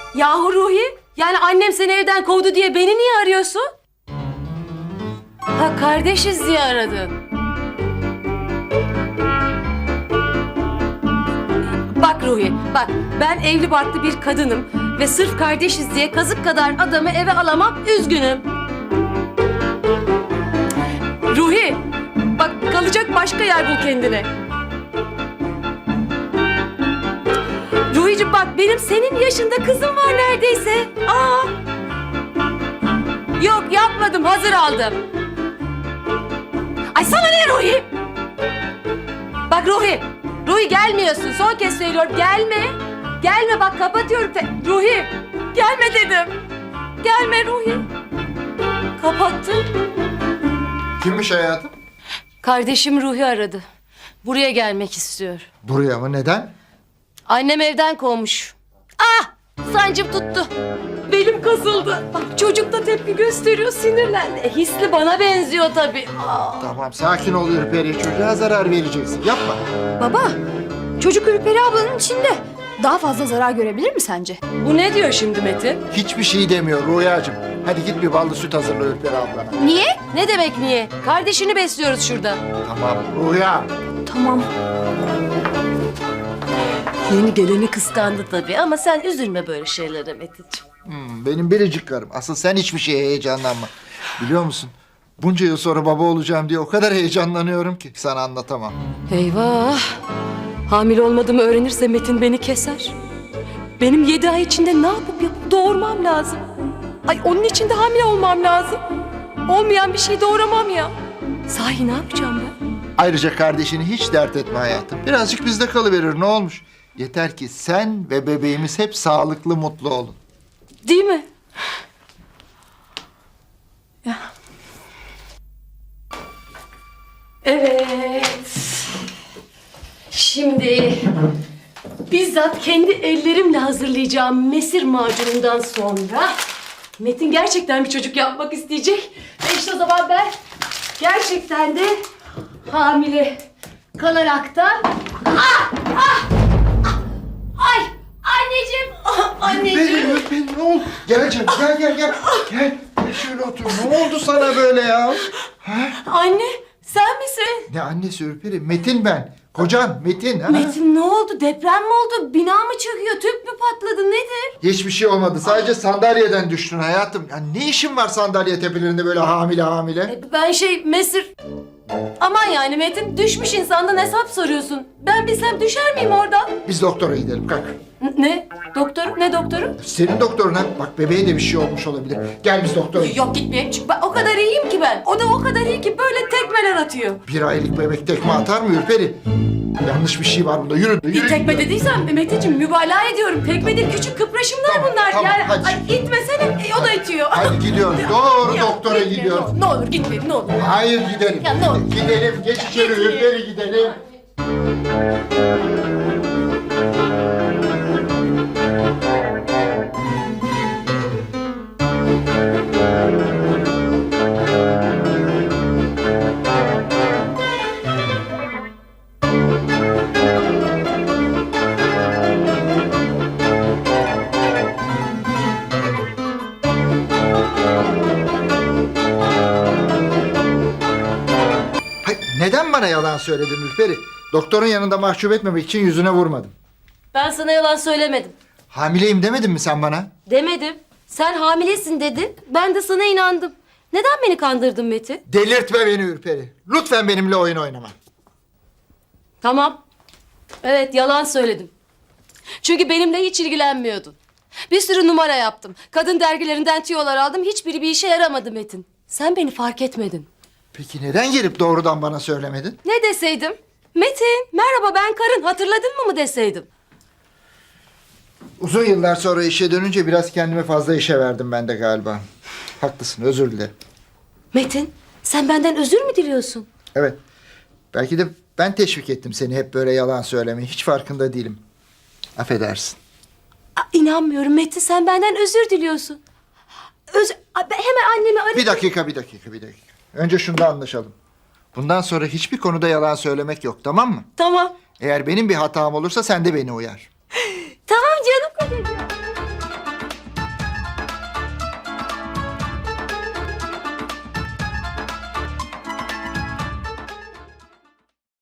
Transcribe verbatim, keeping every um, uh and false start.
Yahu Ruhi, yani annem seni evden kovdu diye beni niye arıyorsun? Ha, kardeşiz diye aradın. Bak Ruhi, bak ben evli barklı bir kadınım ve sırf kardeşiz diye kazık kadar adamı eve alamam, üzgünüm. Ruhi, bak kalacak başka yer bul kendine. Ruhi'cim bak benim senin yaşında kızım var neredeyse. Aa. Yok yapmadım, hazır aldım. Ay sana ne Ruhi? Bak Ruhi, Ruhi gelmiyorsun. Son kez söylüyorum, gelme. Gelme bak kapatıyorum. Te Ruhi, gelme dedim. Gelme Ruhi. Kapattım. Kimmiş hayatım? Kardeşim Ruhi aradı. Buraya gelmek istiyor. Buraya mı? Neden? Annem evden kovmuş. Ah! Sancım tuttu. Belim kasıldı. Bak çocuk da tepki gösteriyor, sinirlendi. E, hisli bana benziyor tabii. Aa. Tamam, sakin ol Ürperi. Çocuğa zarar vereceksin. Yapma. Baba, çocuk Ürperi ablanın içinde. Daha fazla zarar görebilir mi sence? Bu ne diyor şimdi Metin? Hiçbir şey demiyor Rüyacığım. Hadi git bir ballı süt hazırla Ürperi ablana. Niye? Ne demek niye? Kardeşini besliyoruz şurada. Tamam Rüya. Tamam. Yeni geleni kıskandı tabii ama sen üzülme böyle şeylere Metin'ciğim. Hmm, benim biricik karım. Asıl sen hiçbir şeye heyecanlanma. Biliyor musun? Bunca yıl sonra baba olacağım diye o kadar heyecanlanıyorum ki sana anlatamam. Eyvah! Hamile olmadığımı öğrenirse Metin beni keser. Benim yedi ay içinde ne yapıp yapıp doğurmam lazım. Ay onun için de hamile olmam lazım. Olmayan bir şey doğuramam ya. Sahi ne yapacağım ben? Ayrıca kardeşini hiç dert etme hayatım. Birazcık bizde kalıverir, ne olmuş? Yeter ki sen ve bebeğimiz hep sağlıklı, mutlu olun. Değil mi? Ya. Evet. Şimdi bizzat kendi ellerimle hazırlayacağım mesir macunundan sonra Metin gerçekten bir çocuk yapmak isteyecek. Ve işte o zaman ben gerçekten de hamile kalaraktan... Ah! Ah! Ah! Ay! Anneciğim! Ah, anneciğim! Benim öpeyim, ne oldu? Gel canım, gel gel gel. Gel, gel şöyle otur. Ne oldu sana böyle ya? Ha? Anne, sen misin? Ne annesi Ürperi? Metin ben. Kocan Metin. Ha? Metin ne oldu? Deprem mi oldu? Bina mı çöküyor? Tüp mü patladı? Nedir? Hiçbir şey olmadı. Sadece sandalyeden düştün hayatım. Ya ne işin var sandalye tepelerinde böyle hamile hamile? E, ben şey Mesir... Aman yani Metin, düşmüş insandan hesap soruyorsun. Ben bilsem düşer miyim oradan? Biz doktora gidelim, kalk. N- Ne? Doktor? Ne doktoru? Senin doktoruna bak, bebeğe de bir şey olmuş olabilir. Gel biz doktora gidelim. Yok gitmeyeyim çünkü ben o kadar iyiyim ki ben. O da o kadar iyi ki böyle tekmeler atıyor. Bir aylık bebek tekme atar mı Ürperi? Yanlış bir şey var bunda. Yürü. Bir yürü. tekme dediysem Metin'ciğim mübalağa ediyorum. Tekme değil, küçük kıpraşımlar Tamam, bunlar. tamam, yani hadi. ay, itmesene e, o da itiyor. Hadi gidiyoruz. Doğru Ya, doktora gitme, gidiyoruz. Ne olur gitmeyin ne olur. Hayır gidelim. Ya, ne olur. Gidelim. Geç içeri Gitmeyin. Ürperi, gidelim. Hayır, neden bana yalan söyledin Ürperi? Doktorun yanında mahcup etmemek için yüzüne vurmadım. Ben sana yalan söylemedim. Hamileyim demedin mi sen bana? Demedim. Sen hamilesin dedin. Ben de sana inandım. Neden beni kandırdın Metin? Delirtme beni Ürperi. Lütfen benimle oyun oynama. Tamam. Evet yalan söyledim. Çünkü benimle hiç ilgilenmiyordun. Bir sürü numara yaptım. Kadın dergilerinden tüyolar aldım. Hiçbiri bir işe yaramadı Metin. Sen beni fark etmedin. Peki neden gelip doğrudan bana söylemedin? Ne deseydim? Metin merhaba ben karın hatırladın mı mı deseydim? Uzun yıllar sonra işe dönünce biraz kendime fazla işe verdim ben de galiba. Haklısın, özür dilerim. Metin sen benden özür mü diliyorsun? Evet. Belki de ben teşvik ettim seni hep böyle yalan söylemeyi. Hiç farkında değilim. Affedersin. Aa, inanmıyorum Metin sen benden özür diliyorsun. Öz Aa, ben hemen annemi arayayım. Bir dakika, bir dakika, bir dakika. Önce şunda anlaşalım. Bundan sonra hiçbir konuda yalan söylemek yok, tamam mı? Tamam. Eğer benim bir hatam olursa sen de beni uyar.